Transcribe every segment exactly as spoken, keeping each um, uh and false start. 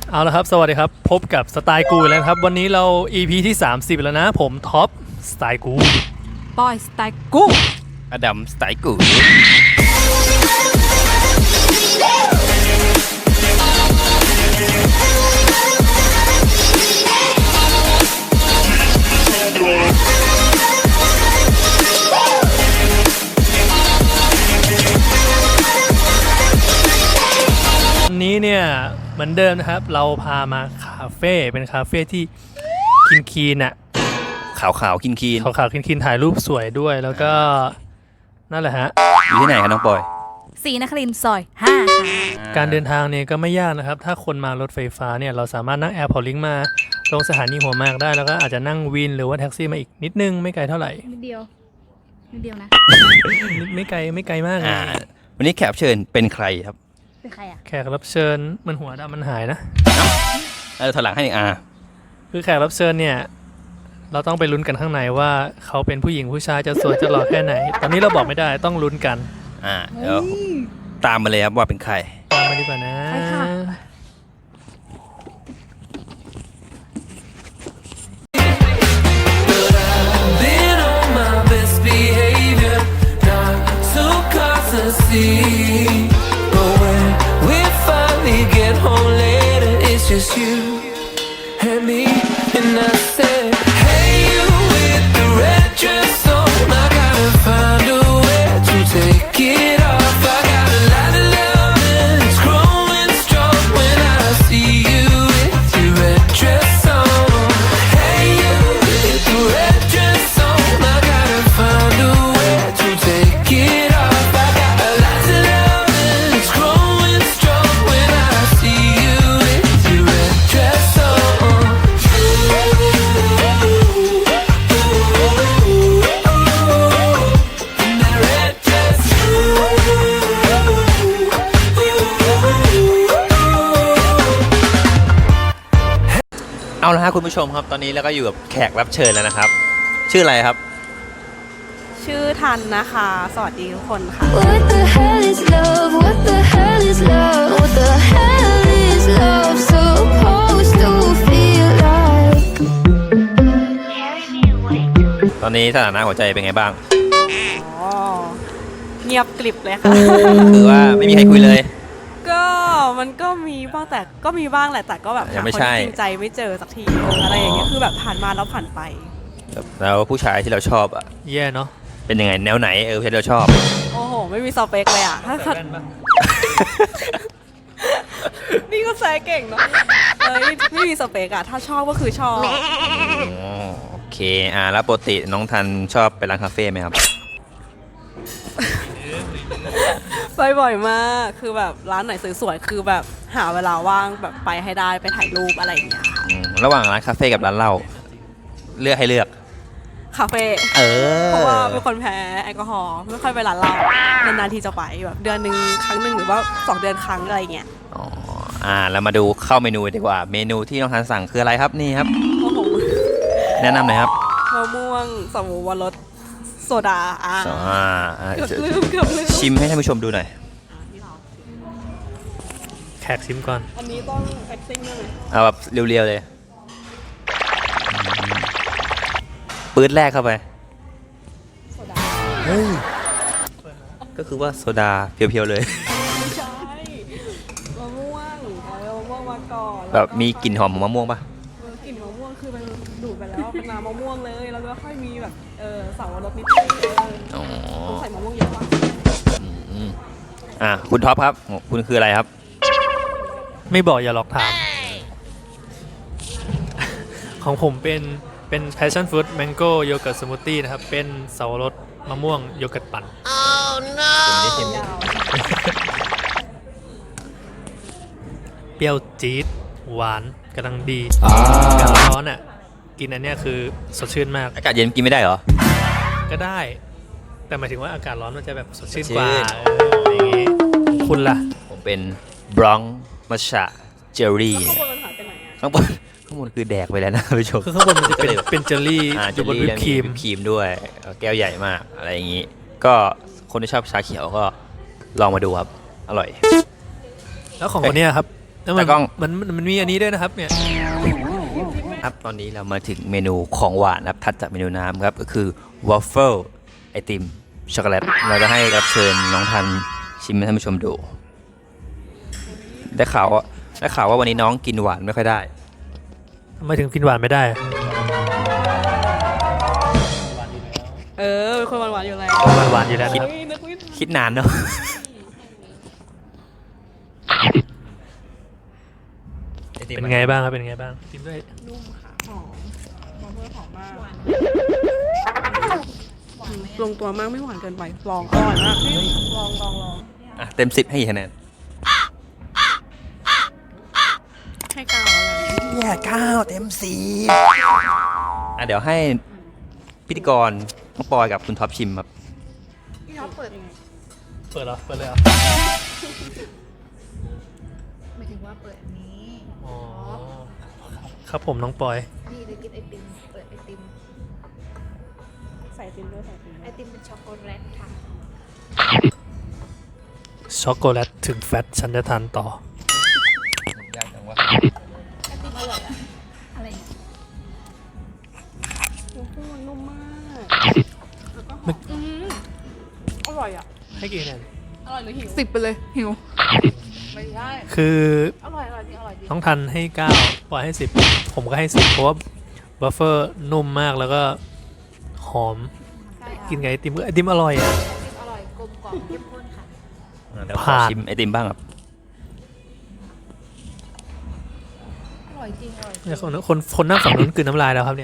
เอาละครับสวัสดีครับพบกับสไตล์กูแล้วครับวันนี้เรา อี พี ที่สามสิบแล้วนะผมท็อปสไตล์กูปอยสไตล์กูอดัมสไตล์กูวันนี้เนี่ยเหมือนเดิมนะครับเราพามาคาเฟ่เป็นคาเฟ่ที่คินคีนอะขาวขาวคินคีนขาวขาวคินคีนถ่ายรูปสวยด้วยแล้วก็นั่นแหละฮะอยู่ที่ไหนครับน้องปอยศรีนครินทร์ซอยห้าการเดินทางเนี่ยก็ไม่ยากนะครับถ้าคนมารถไฟฟ้าเนี่ยเราสามารถนั่งแอร์พอร์ตลิงก์มาลงสถานีหัวหมากได้แล้วก็อาจจะนั่งวินหรือว่าแท็กซี่มาอีกนิดนึงไม่ไกลเท่าไหร่นิดเดียวนิดเดียวนะไม่ไกลไม่ไกลมากเลยวันนี้แขกเชิญเป็นใครครับเป็นใครอ่ะแขกรับเชิญมันหัวดำมันหายนะเออถอยหลังให้อ่าคือแขกรับเชิญเนี่ยเราต้องไปลุ้นกันข้างในว่าเขาเป็นผู้หญิงผู้ชายจะสวยจะหล่อแค่ไหนตอนนี้เราบอกไม่ได้ต้องลุ้นกันอ่าเดี๋ยวตามมาเลยครับว่าเป็นใครตามมาดีกว่านะใช่ค่ะ Just you and me, and I said, Hey, you with the red dress on. I gotta find a way to take it off. I got a lot of love and it's growing strong when I see you with your red dress on. Hey, you with the red dress on. I gotta find a way to take it off. I got a lot of love and it's growing strong when I see you with your red dress on. In that red dress. เอาละครับคุณผู้ชมครับตอนนี้เราก็อยู่กับแขกรับเชิญแล้วนะครับชื่ออะไรครับชื่อทันนะคะสวัสดีทุกคนค่ะ What the hell is love What the hell is love What the hell is love supposed to feel like ตอนนี้สถานะหัวใจเป็นไงบ้างอ๋อเงียบกริบเลยค่ะคือว่าไม่มีใครคุยเลยก็มันก็มีบ้างแต่ก็มีบ้างแหละแต่ก็แบบหาคนจริงใจไม่เจอสักทีอะไรอย่างเงี้ยคือแบบผ่านมาแล้วผ่านไปแล้วผู้ชายที่เราชอบอ่ะแย่เนาะเป็นยังไงแนวไหนเออที่เราชอบโอ้โหไม่มีสเปคเลยอ่ะถ้านี่ก็แซะเก่งเนาะเอ้ยไม่มีสเปคอ่ะถ้าชอบก็คือชอบโอเคอ่าแล้วปกติน้องทันชอบไปร้านคาเฟ่ไหมครับไปบ่อยมากคือแบบร้านไหนสวยๆคือแบบหาเวลาว่างแบบไปให้ได้ไปถ่ายรูปอะไรอย่างเงี้ยค่ะระหว่างร้านคาเฟ่กับร้านเหล้าเลือกให้เลือกคาเฟ่เออเพราะว่าเป็นคนแพ้แอลกอฮอล์ไม่ค่อยไปร้านเหล้านานๆทีจะไปแบบเดือนหนึ่งครั้งหนึ่งหรือว่าสองเดือนครั้งอะไรเงี้ยอ๋ออ่าแล้วมาดูเข้าเมนูดีกว่าเมนูที่น้องทันสั่งคืออะไรครับนี่ครับโอ้โหแนะนำหน่อยครับมะม่วงสมูวรสโซดาอ่าเกือบลืมเกือบลืมชิมให้ท่านผู้ชมดูหน่อยแขกชิมก่อนอันนี้ต้องแอคติ้งได้ไหมเอาแบบเรียวๆเลยปื๊ดแรกเข้าไปโซดาเฮ้ยก็คือว่าโซดาเพียวๆเลยไม่ใช่มะม่วงเอามะม่วงมาก่อนแบบมีกลิ่นหอมของมะม่วงป่ะกลิ่นมะม่วงคือมันดูดไปแล้วเป็นน้ำมะม่วงเลยแล้วก็ค่อยมีแบบเออสาวรสนิดนึงอ๋อใส่มะม่วงเยอะป่ะอ่ะคุณท็อปครับคุณคืออะไรครับไม่บอกอย่าหลอกถามของผมเป็นเป็น passion fruit mango yogurt smoothie นะครับเป็นสับปะรดมะม่วงโยเกิร์ตปั่น Oh no เปรี้ยวจี๊ดหวานกำลังดีอากาศร้อนอ่ะกินอันเนี้ยคือสดชื่นมากอากาศเย็นกินไม่ได้เหรอก็ได้แต่หมายถึงว่าอากาศร้อนมันจะแบบสดชื่นกว่าอย่างงี้คุณล่ะผมเป็นบรองมัชชะเจอรี่ข้างบนข้างบนคือแดกไปแล้วนะผู้ชมคือข้างบนมันจะเป็นเป็นเจลลี่อยู่บนวิปครีมครีมด้วยแก้วใหญ่มากอะไรอย่างนี้ก็คนที่ชอบชาเขียวก็ลองมาดูครับอร่อยแล้วของคนนี้ครับแล้วมันตากล้องมันมันมันมีอันนี้ด้วยนะครับเนี่ยครับตอนนี้เรามาถึงเมนูของหวานครับถัดจากเมนูน้ำครับก็คือวอฟเฟิลไอติมช็อกโกแลตเราจะให้รับเชิญน้องทันชิมให้ท่านผู้ชมดูได้ข่าวว่าได้ข่าวว่าวันนี้น้องกินหวานไม่ค่อยได้ทำไมถึงกินหวานไม่ได้เออเป็นคนหวานๆอยู่แล้วหวานหวานอยู่แล้วนะครับเฮ้ยนึกไม่คิดนานเนาะเป็นไงบ้างครับเป็นไงบ้างกินด้วยนุ่มค่ะหอมมะเขือหอมมากลงตัวมากไม่หวานเกินไปลองอร่อยมากลองลองลองอ่ะเต็มสิบให้กี่คะแนนให้เก้าแล้วกันเนี่ยเก้าเต็มสิบอ่ะเดี๋ยวให้พิธีกรน้องปอยกับคุณท็อปชิมครับพี่ท็อปเปิดยังไงเปิดเหรอเปิดเลยเหรอหมายถึงว่าเปิดอันนี้อ๋อครับผมน้องปอยนี่เดี๋ยวกินไอติม เปิดไอติมใส่ติมด้วยใส่ติมไอติมเป็นช็อกโกแลตค่ะช็อกโกแลตถึงแฟตฉันจะทานต่ออะไรเนี่ยโอ้โหนุ่มมากมึกอืมอร่อยอ่ะให้กี่คะแนนอร่อยหรือหิวสิบไปเลย หิวไม่ได้คืออร่อยอร่อยจริงอร่อยจริงน้องทันให้เก้าปอยให้สิบผมก็ให้สิบเพราะว่าบัฟเฟอร์นุ่มมากแล้วก็หอม กินไงไอติมไอติมอร่อยอ่ะอร่อยกลมกล่อมเข้มข้นค่ะเดี๋ยวขอผ่านชิมไอติมบ้างครับอร่อยจริง อร่อยจริงเนี่ยคนคนคนนั่งฝั่งนู้นกลืนน้ำลายแล้วครับเนี่ย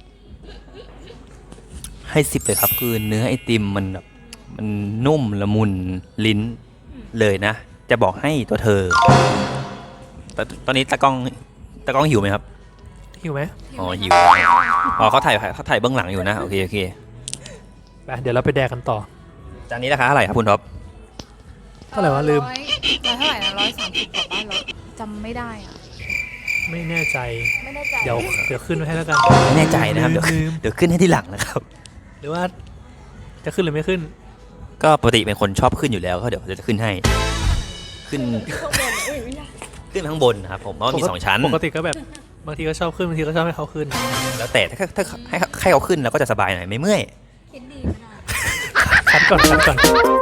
ให้สิบเลยครับคือเนื้อไอติมมันแบบมันนุ่มละมุนลิ้นเลยนะ จะบอกให้ตัวเธอแต่ตอนนี้ตากล้องตากล้องหิวไหมครับหิวไหมอ๋อหิวอ๋อเขาถ่ายเขาถ่ายเบื้องหลังอยู่นะโอเคโอเคไปเดี๋ยวเราไปแดกกันต่อจานนี้ราคาเท่าไหร่ครับคุณท็อปเท่าไหร่วะลืมร้อยร้อยเท่าไหร่นะร้อยสามสิบกว่าบ้านเราจำไม่ได้อ่ะไม่แน่ใจไม่แน่ใจเดี๋ยวเดี๋ยวขึ้นไว้ให้แล้วกันไม่แน่ใจนะครับเดี๋ยวลืมเดี๋ยวขึ้นให้ที่หลังนะครับหรือว่าจะขึ้นหรือไม่ขึ้นก็ปกติเป็นคนชอบขึ้นอยู่แล้วก็เดี๋ยวจะขึ้นให้ ขึ้นขึ้นข้างบนนะครับผมเพราะว่ามีสองชั้นปกติก็แบบบางทีก็ชอบขึ้นบางทีก็ชอบให้เขาขึ้นแล้วแต่ถ้าถ้าให้ให้เขาขึ้นเราก็จะสบายหน่อยไม่เมื่อยคิดดีไม่ได้คัดก่อนคัดก่อน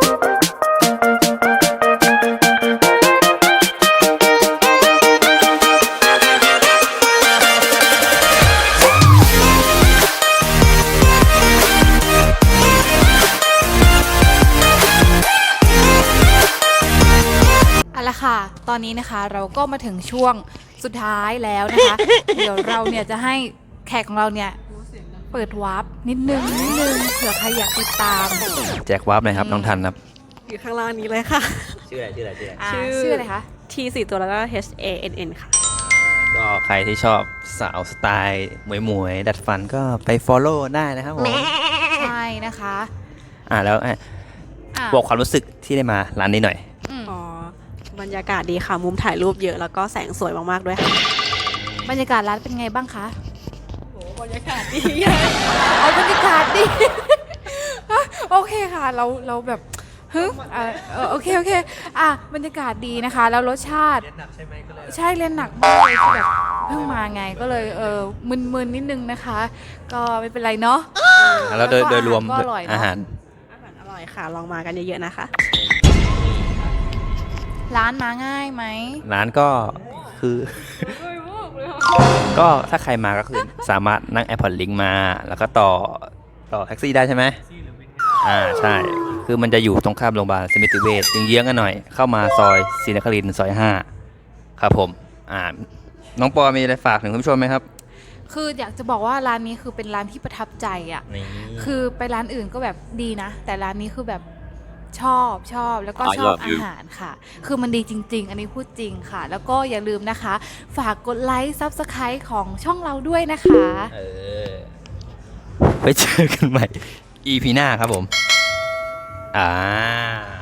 เอาละค่ะ ตอนนี้นะคะเราก็มาถึงช่วงสุดท้ายแล้วนะคะ เดี๋ยวเราเนี่ยจะให้แขกของเราเนี่ยเปิดวาร์ปนิดนึงนิดนึงเผื่อใครอยากติดตามแจกวาร์ปหน่อยครับน้องทันครับอยู่ข้างล่างนี้เลยค่ะชื่ออะไรชื่ออะไรชื่ออะไรอ่าชื่อชื่ออะไรคะ T สี่ตัวแล้วก็ H A N N ค่ะก็ใครที่ชอบสาวสไตล์หมวยหมวยๆดัดฟันก็ไป follow ได้นะครับผมใช่นะคะอ่าแล้วอ่ะอ่ะบอกความรู้สึกที่ได้มาร้านนี้หน่อยอืมอ๋อ บรรยากาศดีค่ะ มุมถ่ายรูปเยอะแล้วก็แสงสวยมากๆด้วยค่ะบรรยากาศร้านเป็นไงบ้างคะโอ้บรรยากาศดีเอาบรรยากาศดิ โอเคค่ะ เราเราแบบฮึอ่ะเออโอเคโอเคอ่ะบรรยากาศดีนะคะ แล้วรสชาติเรียนหนักใช่ไหมก็เลยใช่เรียนหนักมากเลยคือแบบเพิ่งมาไงก็เลยเออมึนๆนิดนึงนะคะ ก็ไม่เป็นไรเนาะแล้วโดยแล้วก็โดยรวมอาหารก็อร่อยเนอะอาหารอาหารอร่อยค่ะ ลองมากันเยอะๆนะคะร้านมาง่ายไหมร้านก็คือ ก็ถ้าใครมาก็คือสามารถนั่ง AirPods Link มา แล้วก็ต่อต่อแท็กซี่ได้ใช่ไหมอ่าใช่ คือมันจะอยู่ตรงข้ามโรงพยาบาลสมิติเวชเยื้องๆกันหน่อย เข้ามาซอยศรีนครินทร์ซอยห้าครับผมอ่าน้องปอมีอะไรฝากถึงคุณผู้ชมไหมครับคืออยากจะบอกว่าร้านนี้คือเป็นร้านที่ประทับใจอ่ะนี่คือไปร้านอื่นก็แบบดีนะ แต่ร้านนี้คือแบบชอบชอบแล้วก็ I ชอบ love you อาหารค่ะ คือมันดีจริง ๆ อันนี้พูดจริงค่ะ แล้วก็อย่าลืมนะคะ ฝากกดไลค์ซับสไครต์ของช่องเราด้วยนะคะเออไปเจอกันใหม่ อี พี หน้าครับผม อ่า